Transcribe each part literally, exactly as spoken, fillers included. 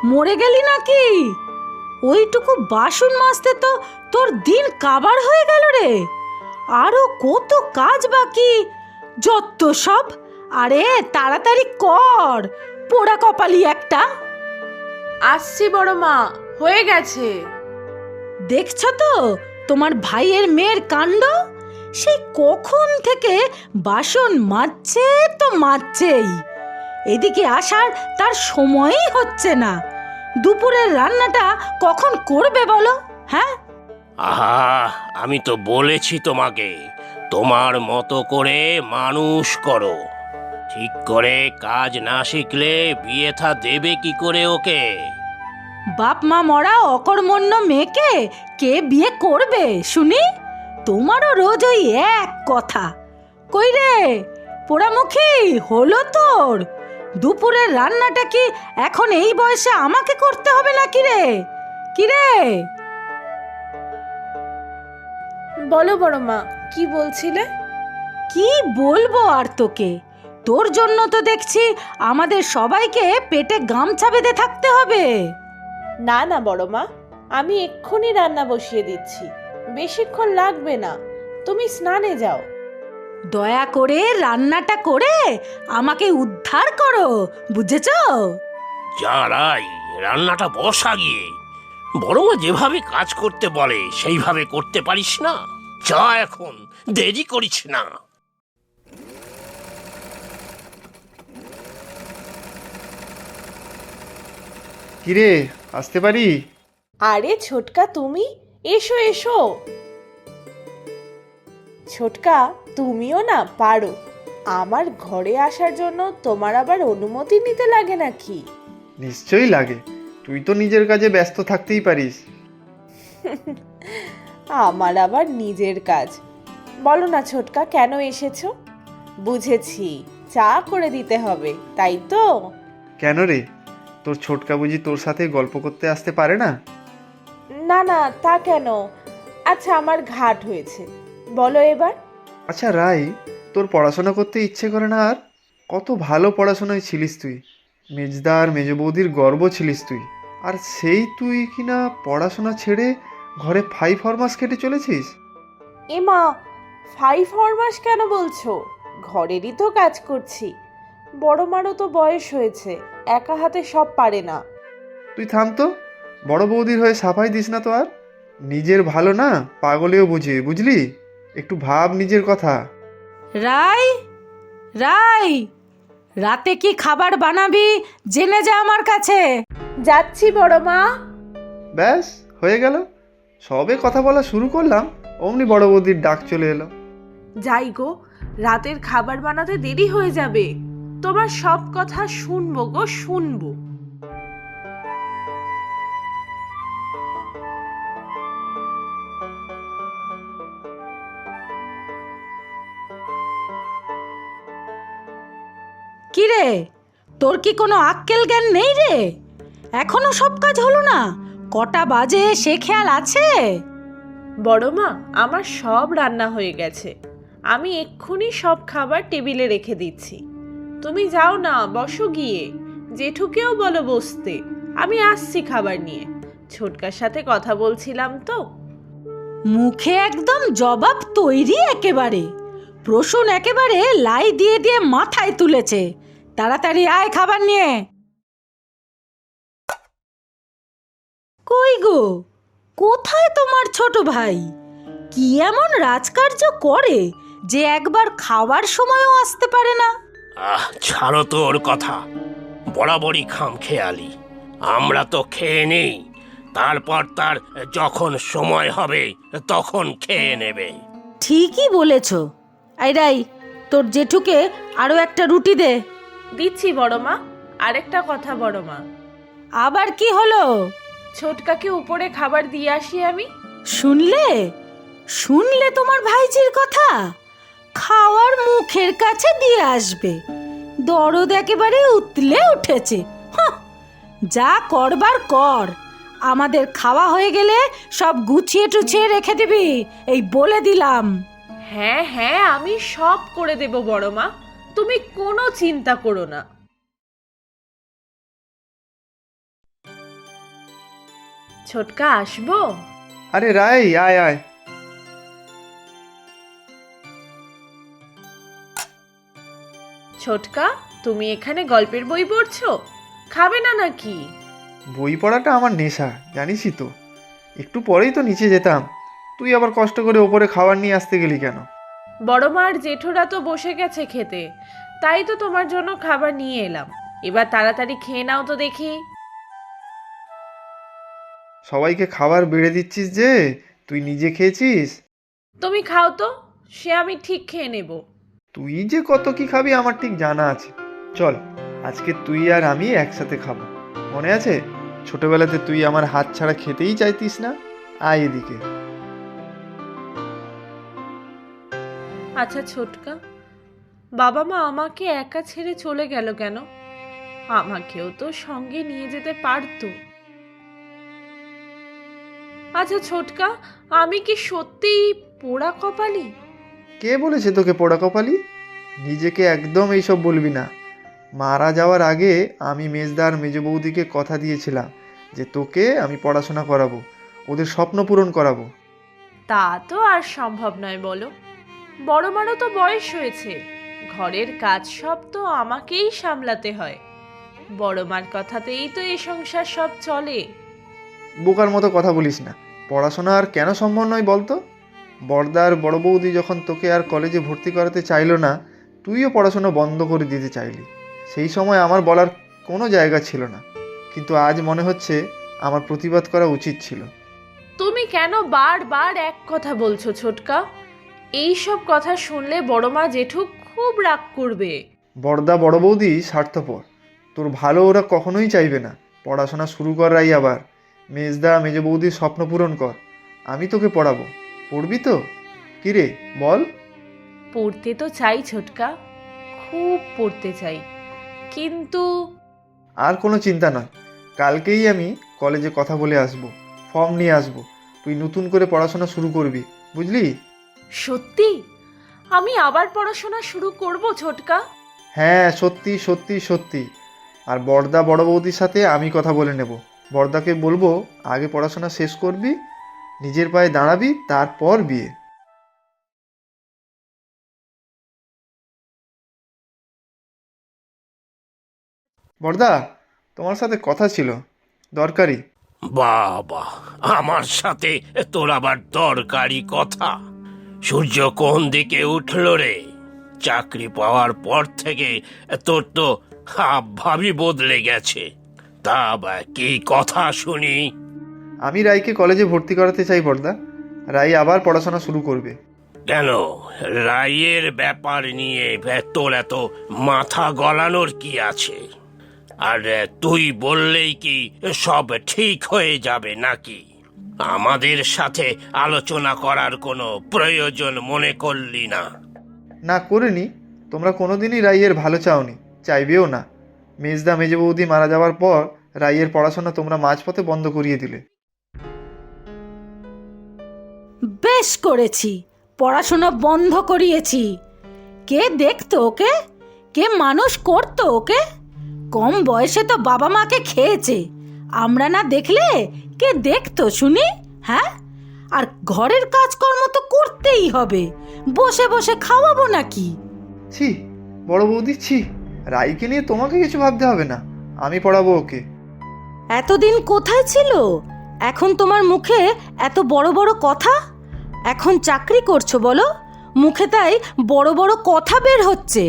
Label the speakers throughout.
Speaker 1: মরে গেলি নাকি? ওইটুকু বাসন মাজতে তো তোর দিন কাবার হয়ে গেল রে। আরো কত কাজ বাকি, যত সব। আরে তাড়াতাড়ি কর, পোড়া কপালি একটা।
Speaker 2: আসছি বড় মা, হয়ে গেছে।
Speaker 1: দেখছো তো তোমার ভাইয়ের মেয়ের কাণ্ড? সেই কখন থেকে বাসন মাজছে তো মাজছেই, এদিকে আসার তার সময়ই হচ্ছে না। দুপুরের রান্নাটা কখন করবে বলো? হ্যাঁ,
Speaker 3: আহা, আমি তো বলেছি তোমাকে, তোমার মতো করে মানুষ করো। ঠিক করে কাজ না শিখলে বিয়ে থা দেবে কি করে ওকে?
Speaker 1: বাপ মা মরা অকর্মণ্য মেয়েকে কে বিয়ে করবে শুনি? তোমারও রোজ ওই এক কথা। কই রে পোড়ামুখী, হলো তোর? দুপুরের রান্নাটা কি এখন এই বয়সে আমাকে করতে হবে নাকি রে? কি রে?
Speaker 2: বলো বড় মা, কি বলছিলে?
Speaker 1: কি বলবো আর তোকে? তোর জন্য তো দেখছি আমাদের সবাইকে পেটে গামছা বেঁধে থাকতে হবে।
Speaker 2: না না বড় মা, আমি এক্ষুনি রান্না বসিয়ে দিচ্ছি, বেশিক্ষণ লাগবে না। তুমি স্নানে যাও।
Speaker 1: দয়া করে রান্নাটা করে আমাকে উদ্ধার করো, বুঝেছো?
Speaker 3: যারাই রান্নাটা বসা গিয়ে, বড় যেভাবে কাজ করতে বলে সেইভাবে করতে পারিস না? যা এখন, দেরি করিস না।
Speaker 4: কিরে, আসতে পারি?
Speaker 2: আরে ছোটকা, তুমি এসো এসো। ছোটকা, তুমিও না পারো। আমার ঘরে আসার জন্য তোমার আবার অনুমতি নিতে লাগে নাকি?
Speaker 4: নিশ্চয়ই লাগে, তুই তো নিজের কাজে ব্যস্ত থাকতেই পারিস।
Speaker 2: আমার আবার নিজের কাজ। বলো না ছোটকা, কেন এসেছো? বুঝেছি, চা করে দিতে হবে, তাই তো?
Speaker 4: কেন রে, তোর ছোটকা বুঝি তোর সাথে গল্প করতে আসতে পারে না?
Speaker 2: না না, তা কেন? আচ্ছা, আমার ঘাট হয়েছে, বলো এবার।
Speaker 4: আচ্ছা রাই, তোর পড়াশোনা করতে ইচ্ছে করে না আর? কত ভালো পড়াশোনায় ছিলিস তুই, মেজদার মেজ বৌদির গর্ব ছিলিস তুই। আর সেই তুই কিনা পড়াশোনা ছেড়ে ঘরে ফাইভ ফরমাস কেটে চলেছিস।
Speaker 2: এমা, ফাইভ ফরমাস কেন বলছো? ঘরেরই তো কাজ করছি। বড় মারও তো বয়স হয়েছে, একা হাতে সব পারে না।
Speaker 4: তুই থাম তো, বড় বৌদির হয়ে সাফাই দিস না তো আর। নিজের ভালো না পাগলেও বুঝে, বুঝলি? একটু ভাব নিজের কথা।
Speaker 1: রাই, রাই, রাতে কি খাবার বানাবি জেনে যা আমার কাছে।
Speaker 2: যাচ্ছি বড় মা।
Speaker 4: ব্যাস হয়ে গেল, সবে কথা বলা শুরু করলাম অমনি বড় বৌদির ডাক চলে এলো।
Speaker 2: যাই গো, রাতের খাবার বানাতে দেরি হয়ে যাবে। তোমার সব কথা শুনবো গো, শুনবো।
Speaker 1: কি রে, তোর কি কোনো আক্কেল জ্ঞান নেই রে? এখনো সব কাজ হলো না? কটা বাজে সে খেয়াল আছে?
Speaker 2: বড় মা, আমার সব রান্না হয়ে গেছে। আমি এক্ষুনি সব খাবার টেবিলে রেখে দিচ্ছি। তুমি যাও না, বসো গিয়ে। জেঠুকেও বলো বসতে, আমি আসছি খাবার নিয়ে। ছোটকার সাথে কথা বলছিলাম তো।
Speaker 1: মুখে একদম জবাব তৈরি একেবারে। প্রসূন একেবারে লাই দিয়ে দিয়ে মাথায় তুলেছে। তাড়াতাড়ি আয় খাবার নিয়ে। কই গো, কোথায় তোমার ছোট ভাই? কি এমন রাজকার্য করে যে একবার খাওয়ার সময়ও আসতে পারে না?
Speaker 3: আহ, ছাড়ো তো ওর কথা, বরাবরই খাম খেয়ালি। আমরা তো খেয়ে নেই, তারপর তার যখন সময় হবে তখন খেয়ে নেবে।
Speaker 1: ঠিকই বলেছ। এই রাই, তোর জেঠুকে আরো একটা রুটি দে।
Speaker 2: দিচ্ছি বড় মা। আরেকটা কথা বড় মা,
Speaker 1: আবার কি হলো?
Speaker 2: ছোটকাকে উপরে খাবার দিয়ে আসি আমি।
Speaker 1: শুনলে শুনলে তোমার ভাইজির কথা? খাওয়ার মুখের কাছে দিয়ে আসবে। দরদ একেবারে উতলে উঠেছে। হাহ, যা করবার কর। আমাদের খাওয়া হয়ে গেলে সব গুছিয়ে টুছিয়ে রেখে দিবি, এই বলে দিলাম।
Speaker 2: হ্যাঁ হ্যাঁ, আমি সব করে দেব বড় মা, তুমি কোনো চিন্তা করো না। ছোটকা আসবো?
Speaker 4: আরে রাই, আয় আয়।
Speaker 2: ছোটকা, তুমি এখানে গল্পের বই পড়ছো? খাবে না নাকি?
Speaker 4: বই পড়াটা আমার নেশা, জানিসই তো। একটু পরেই তো নিচে যেতাম, তুই আবার কষ্ট করে ওপরে খাবার নিয়ে আসতে গেলি কেন?
Speaker 2: বড় মা আর জেঠুরা তো বসে গেছে খেতে, তাই তো তোমার জন্য খাবার নিয়ে এলাম। এবার তাড়াতাড়ি খেয়ে নাও তো দেখি।
Speaker 4: সবাইকে খাবার বেড়ে দিচ্ছিস যে, তুই নিজে খেয়েছিস?
Speaker 2: তুমি খাও তো, সে আমি ঠিক খেয়ে নেব।
Speaker 4: তুই যে কত কি খাবি আমার ঠিক জানা আছে। চল, আজকে তুই আর আমি একসাথে খাবো। মনে আছে ছোটবেলাতে তুই আমার হাত ছাড়া খেতেই চাইতিস না? আয় এদিকে।
Speaker 2: আচ্ছা ছোটকা, বাবা মা আমাকে একা ছেড়ে চলে গেল কেন? আমাকেও তো সঙ্গে নিয়ে যেতে পারতো। আচ্ছা ছোটকা, আমি কি সত্যিই পোড়া কপালি?
Speaker 4: কে বলেছে তোকে পোড়া কপালি? নিজেকে একদম এইসব বলবি না। মারা যাওয়ার আগে আমি মেজদার মেজ বৌদিকে কথা দিয়েছিলাম যে তোকে আমি পড়াশোনা করাবো, ওদের স্বপ্ন পূরণ করাবো।
Speaker 2: তা তো আর সম্ভব নয় বলো। বড় মারও তো বয়স হয়েছে, ঘরের কাজ সব তো আমাকেই সামলাতে হয়। বড় মার কথাতেই তো এই সংসার সব চলে।
Speaker 4: বোকার মতো কথা বলিস না। পড়াশোনা আর কেন সম্ভব নয় বলতো? বড়দার বড় বৌদি যখন তোকে আর কলেজে ভর্তি করাতে চাইলো না, তুইও পড়াশোনা বন্ধ করে দিতে চাইলি। সেই সময় আমার বলার কোনো জায়গা ছিল না, কিন্তু আজ মনে হচ্ছে আমার প্রতিবাদ করা উচিত ছিল।
Speaker 2: তুমি কেন বারবার এক কথা বলছো ছোটকা? এই সব কথা শুনলে বড় মা জেঠু খুব রাগ করবে।
Speaker 4: বড়দা বড় বৌদি স্বার্থপর, তোর ভালো ওরা কখনোই চাইবে না। পড়াশোনা শুরু করাই আবার মেজদা মেজ বৌদির স্বপ্ন পূরণ কর। আমি তোকে পড়াবো, পড়বি তো? কিরে বল।
Speaker 2: পড়তে তো চাই ছোটকা, খুব পড়তে চাই, কিন্তু
Speaker 4: আর কোনো চিন্তা নয়, কালকেই আমি কলেজে কথা বলে আসবো, ফর্ম নিয়ে আসবো। তুই নতুন করে পড়াশোনা শুরু করবি, বুঝলি?
Speaker 2: সত্যি আমি আবার পড়াশোনা শুরু করব ছোটকা?
Speaker 4: হ্যাঁ, সত্যি সত্যি সত্যি। আর বড়দা বড় বৌদির সাথে আমি কথা বলে নেব। বড়দাকে বলবো আগে পড়াশোনা শেষ করবি, নিজের পায়ে দাঁড়াবি, তারপর বিয়ে। বড়দা, তোমার সাথে কথা ছিল, দরকারি।
Speaker 3: বাবা, আমার সাথে তোর আবার দরকারি কথা? সূর্য কোন দিকে উঠল রে? চাকরি পাওয়ার পর থেকে তোর তো হাবভাবই বদলে গেছে। তা বা কি কথা শুনি?
Speaker 4: আমি রাইকে কলেজে ভর্তি করাতে চাই বড়দা। রাই আবার পড়াশোনা শুরু করবে।
Speaker 3: কেন, রায়ের ব্যাপার নিয়ে তোর এত মাথা গলানোর কি আছে? আর তুই বললেই কি সব ঠিক হয়ে যাবে নাকি? আমাদের সাথে আলোচনা করার কোনো প্রয়োজন মনে করলি না?
Speaker 4: না করিনি। তোমরা কোনোদিনই রাইয়ের ভালো চাওনি, চাইবেও না। মেজদা মেজ বৌদি মারা যাওয়ার পর রাইয়ের পড়াশোনা তোমরা মাঝপথে বন্ধ করিয়ে দিলে।
Speaker 1: বেশ করেছি, পড়াশোনা বন্ধ করিয়েছি। কে দেখতো ওকে? কে মানুষ করতো ওকে? কম বয়সে তো বাবা মাকে খেয়েছে, আমরা না দেখলে কে দেখতো শুনি? হ্যাঁ, আর ঘরের কাজকর্ম তো করতেই হবে, বসে বসে খাওয়াবো নাকি?
Speaker 4: ছি বড় বৌদি, ছি। রাইকে নিয়ে তোমাকে কিছু ভাবতে হবে না, আমি পড়াবো ওকে।
Speaker 1: এতদিন কোথায় ছিল? এখন তোমার মুখে এত বড় বড় কথা। এখন চাকরি করছো বলো, মুখে তাই বড় বড় কথা বের হচ্ছে।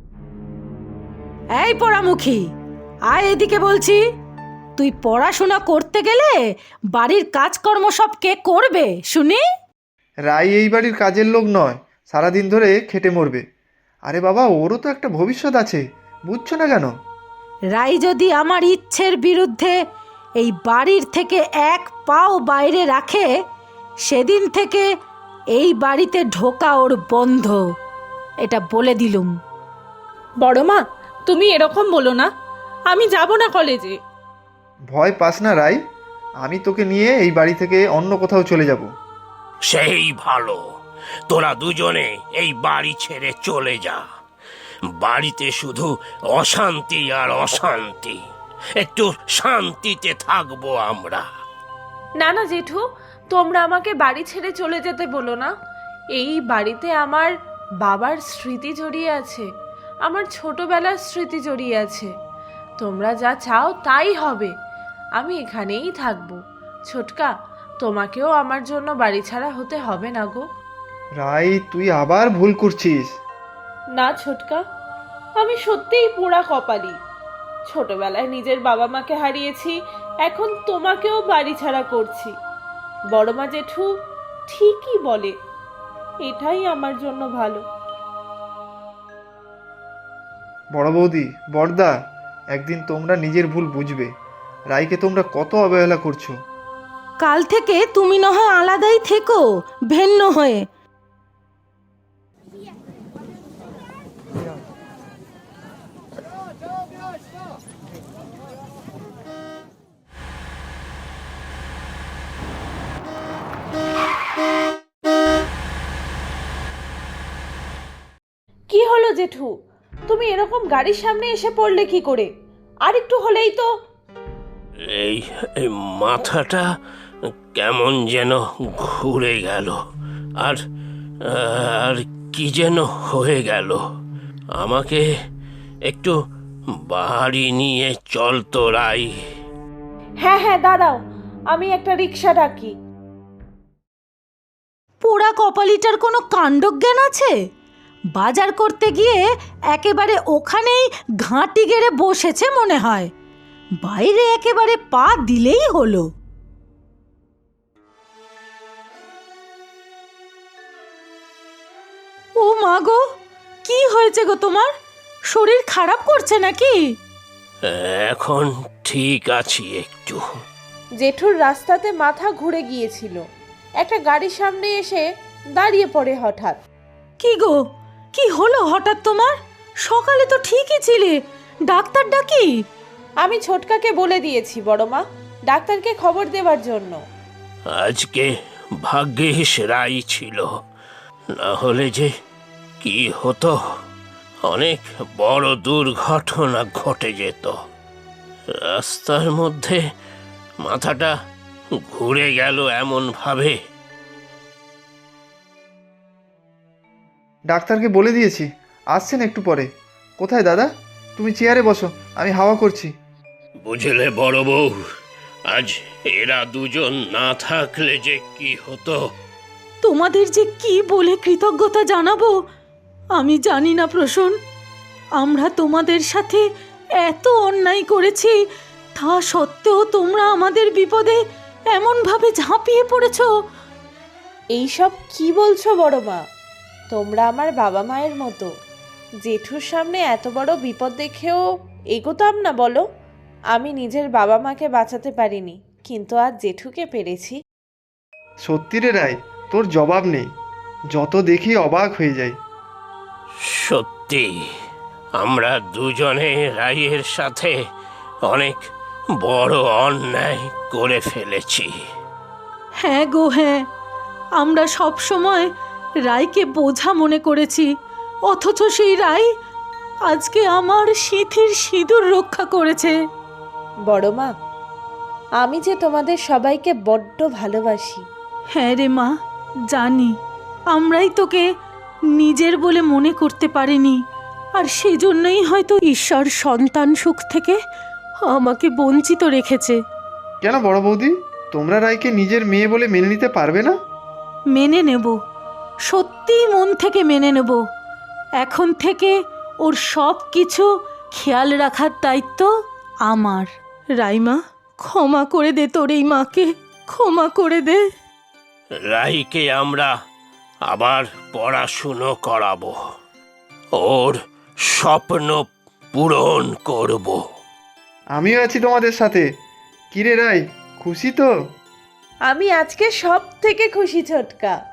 Speaker 1: এই পোড়ামুখী, আয় এদিকে বলছি। তুই পড়াশোনা করতে গেলে বাড়ির কাজকর্ম সব কে করবে শুনি?
Speaker 4: রাই এই বাড়ির কাজের লোক নয়, সারাদিন ধরে খেটে মরবে। আরে বাবা, ওরও তো একটা ভবিষ্যৎ আছে, বুঝছো না কেন?
Speaker 1: রাই যদি আমার ইচ্ছের বিরুদ্ধে এই বাড়ির থেকে এক পাও বাইরে রাখে, সেদিন থেকে এই বাড়িতে ঢোকা ওর বন্ধ, এটা বলে দিলুম।
Speaker 2: বড় মা, তুমি এরকম বলো না, আমি যাব না কলেজে।
Speaker 4: ভয় পাস না রাই, আমি তোকে নিয়ে এই বাড়ি থেকে অন্য কোথাও চলে যাব।
Speaker 3: সেই ভালো, তোরা দুজনে এই বাড়ি ছেড়ে চলে যা। বাড়িতে শুধু অশান্তি আর অশান্তি, একটু শান্তিতে থাকবো আমরা।
Speaker 2: না না জেঠু, তোমরা আমাকে বাড়ি ছেড়ে চলে যেতে বলো না। এই বাড়িতে আমার বাবার স্মৃতি জড়িয়ে আছে, আমার ছোটবেলার স্মৃতি জড়িয়ে আছে। তোমরা যা চাও তাই হবে, আমি এখানেই থাকবো। ছোটকা, তোমাকেও আমার জন্য বাড়ি ছাড়া হতে হবে না গো।
Speaker 4: রাই, তুই আবার ভুল করছিস।
Speaker 2: না ছোটকা, আমি সত্যিই পোড়া কপালি। ছোটবেলায় নিজের বাবা মাকে হারিয়েছি, এখন তোমাকেও বাড়ি ছাড়া করছি। বড়মা জেঠু ঠিকই বলে, এটাই আমার জন্য ভালো।
Speaker 4: বড় বৌদি, বড়দা, একদিন তোমরা নিজের ভুল বুঝবে। রাইকে তোমরা কত অবহেলা করছো।
Speaker 1: কাল থেকে তুমি না হয় আলাদাই থেকো, ভিন্ন হয়ে।
Speaker 2: কি হলো জেঠু, তুমি এরকম গাড়ির সামনে এসে পড়লে কি করে? আর একটু হলেই তো।
Speaker 3: এই এই মাথাটা কেমন যেন ঘুরে গেল, আর আর কি যেন হয়ে গেল। আমাকে একটু বাড়ি নিয়ে চল তো রাই।
Speaker 2: হ্যাঁ হ্যাঁ দাঁড়াও, আমি একটা রিক্সা ডাকি।
Speaker 1: পোড়া কপালিটার কোনো কাণ্ডজ্ঞান আছে? বাজার করতে গিয়ে একেবারে ওখানেই ঘাঁটি গেড়ে বসেছে মনে হয়, বাইরে একেবারে পা দিলেই হলো। ও মা গো, কি হয়েছে গো তোমার? শরীর খারাপ করছে নাকি?
Speaker 3: এখন ঠিক আছি একটু।
Speaker 2: জেঠুর রাস্তাতে মাথা ঘুরে গিয়েছিল, একটা গাড়ির সামনে এসে দাঁড়িয়ে পড়ে হঠাৎ।
Speaker 1: কি গো, কি হলো হঠাৎ তোমার? সকালে তো ঠিকই ছিলে, ডাক্তার ডাকি?
Speaker 2: আমি ছোটকাকে বলে দিয়েছি বড়মা, ডাক্তারকে খবর দেওয়ার জন্য।
Speaker 3: আজকে ভাগ্যিস রাই ছিল, না হলে যে কি হতো, অনেক বড় দুর্ঘটনা ঘটে যেত। রাস্তার মধ্যে মাথাটা ঘুরে গেল এমন ভাবে।
Speaker 4: ডাক্তারকে বলে দিয়েছি, আসছেন একটু পরে। কোথায় দাদা? তুমি চেয়ারে বসো, আমি হাওয়া করছি।
Speaker 3: বুঝলে বড় বউ, আজ এরা দুজন না থাকলে যে কি হতো।
Speaker 1: তোমাদের যে কি বলে কৃতজ্ঞতা জানাবো আমি জানি না প্রসূন। আমরা তোমাদের সাথে এত অন্যায় করেছি, তা সত্ত্বেও তোমরা আমাদের বিপদে এমনভাবে ঝাঁপিয়ে পড়েছো।
Speaker 2: এইসব কি বলছো বড়মা? তোমরা আমার বাবা মায়ের মতো। জেঠুর সামনে এত বড় বিপদ দেখেও এগোতাম না বলো? আমি নিজের বাবা মাকে বাঁচাতে পারিনি, কিন্তু আজ জেঠুকে পেরেছি।
Speaker 4: সত্যি রে রাই, তোর জবাব নেই। যত দেখি অবাক হয়ে যাই।
Speaker 3: সত্যি আমরা দুজনে রাইয়ের সাথে অনেক বড় অন্যায় করে ফেলেছি।
Speaker 1: হ্যাঁ গো হ্যাঁ, আমরা সব সময় রাইকে বোঝা মনে করেছি, অথচ সেই রাই আজকে আমার সিঁথির সিঁদুর রক্ষা করেছে।
Speaker 2: বড়মা, আমি যে তোমাদের সবাইকে বড্ড ভালোবাসি।
Speaker 1: হ্যাঁ রে মা, জানি। আমরাই তোকে নিজের বলে মনে করতে পারিনি, আর সেজন্যই হয়তো ঈশ্বর সন্তান সুখ থেকে আমাকে বঞ্চিত রেখেছে।
Speaker 4: কেন বড় বৌদি, তোমরা রাইকে নিজের মেয়ে বলে মেনে নিতে পারবে না?
Speaker 1: মেনে নেব, সত্যিই মন থেকে মেনে নেব। এখন থেকে ওর সব কিছু খেয়াল রাখার দায়িত্ব আমার। রাইমা, ক্ষমা করে দে তোর এই মাকে, ক্ষমা করে দে।
Speaker 3: রাইকে আমরা আবার পড়াশুনো করাবো, ওর স্বপ্ন পূরণ করব।
Speaker 4: আমিও আছি তোমাদের সাথে। কিরে রাই, খুশি তো?
Speaker 2: আমি আজকে সব থেকে খুশি ছোটকা।